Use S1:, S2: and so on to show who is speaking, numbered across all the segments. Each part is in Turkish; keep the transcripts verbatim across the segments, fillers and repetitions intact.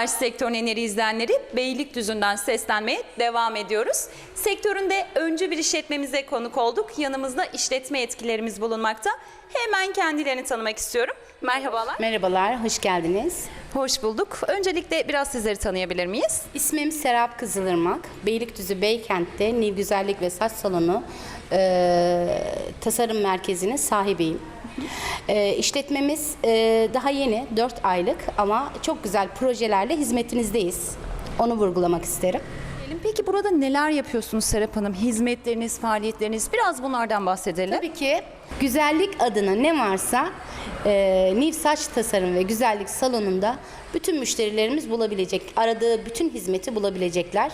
S1: Merhabalar sektörün eneri izleyenleri, Beylikdüzü'nden seslenmeye devam ediyoruz. Sektöründe öncü bir işletmemize konuk olduk. Yanımızda işletme yetkilerimiz bulunmakta. Hemen kendilerini tanımak istiyorum. Merhabalar.
S2: Merhabalar, hoş geldiniz.
S1: Hoş bulduk. Öncelikle biraz sizleri tanıyabilir miyiz?
S2: İsmim Serap Kızılırmak. Beylikdüzü Beykent'te Niv Güzellik ve Saç Salonu e, tasarım merkezinin sahibiyim. E, işletmemiz e, daha yeni, dört aylık ama çok güzel projelerle hizmetinizdeyiz. Onu vurgulamak isterim.
S1: Peki burada neler yapıyorsunuz Serap Hanım? Hizmetleriniz, faaliyetleriniz, biraz bunlardan bahsedelim.
S2: Tabii ki güzellik adına ne varsa e, Niv Saç Tasarım ve Güzellik Salonu'nda bütün müşterilerimiz bulabilecek, aradığı bütün hizmeti bulabilecekler.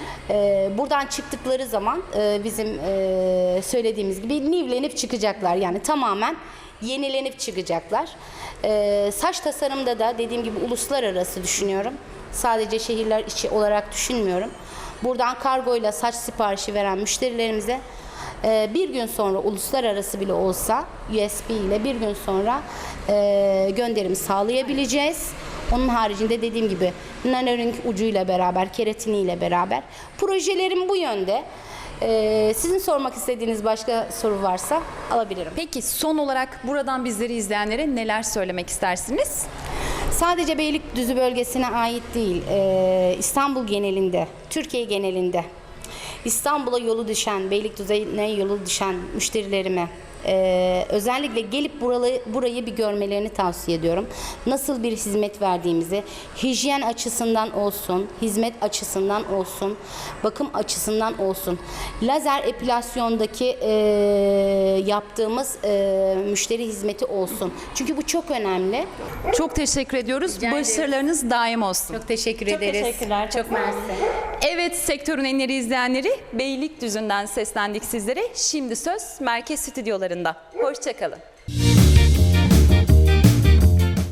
S2: E, buradan çıktıkları zaman e, bizim e, söylediğimiz gibi nivlenip çıkacaklar, yani tamamen yenilenip çıkacaklar. E, saç tasarımda da dediğim gibi uluslararası düşünüyorum. Sadece şehirler içi olarak düşünmüyorum. Buradan kargoyla saç siparişi veren müşterilerimize e, bir gün sonra, uluslararası bile olsa U S B ile bir gün sonra e, gönderim sağlayabileceğiz. Onun haricinde dediğim gibi nanoring ucuyla beraber, keratiniyle beraber projelerim bu yönde. Ee, sizin sormak istediğiniz başka soru varsa alabilirim.
S1: Peki son olarak buradan bizleri izleyenlere neler söylemek istersiniz?
S2: Sadece Beylikdüzü bölgesine ait değil, e, İstanbul genelinde, Türkiye genelinde İstanbul'a yolu düşen, Beylikdüzü'ne yolu düşen müşterilerime e, özellikle gelip buralı, burayı bir görmelerini tavsiye ediyorum. Nasıl bir hizmet verdiğimizi, hijyen açısından olsun, hizmet açısından olsun, bakım açısından olsun, lazer epilasyondaki e, yaptığımız e, müşteri hizmeti olsun. Çünkü bu çok önemli.
S1: Çok teşekkür ediyoruz.
S2: Rica
S1: Başarılarınız daim olsun.
S2: Çok teşekkür
S1: Çok
S2: ederiz.
S1: teşekkürler.
S2: Çok mersi.
S1: Evet, sektörün enleri izleyenleri, Beylikdüzü'nden seslendik sizlere. Şimdi söz merkez stüdyolarında. Hoşça kalın.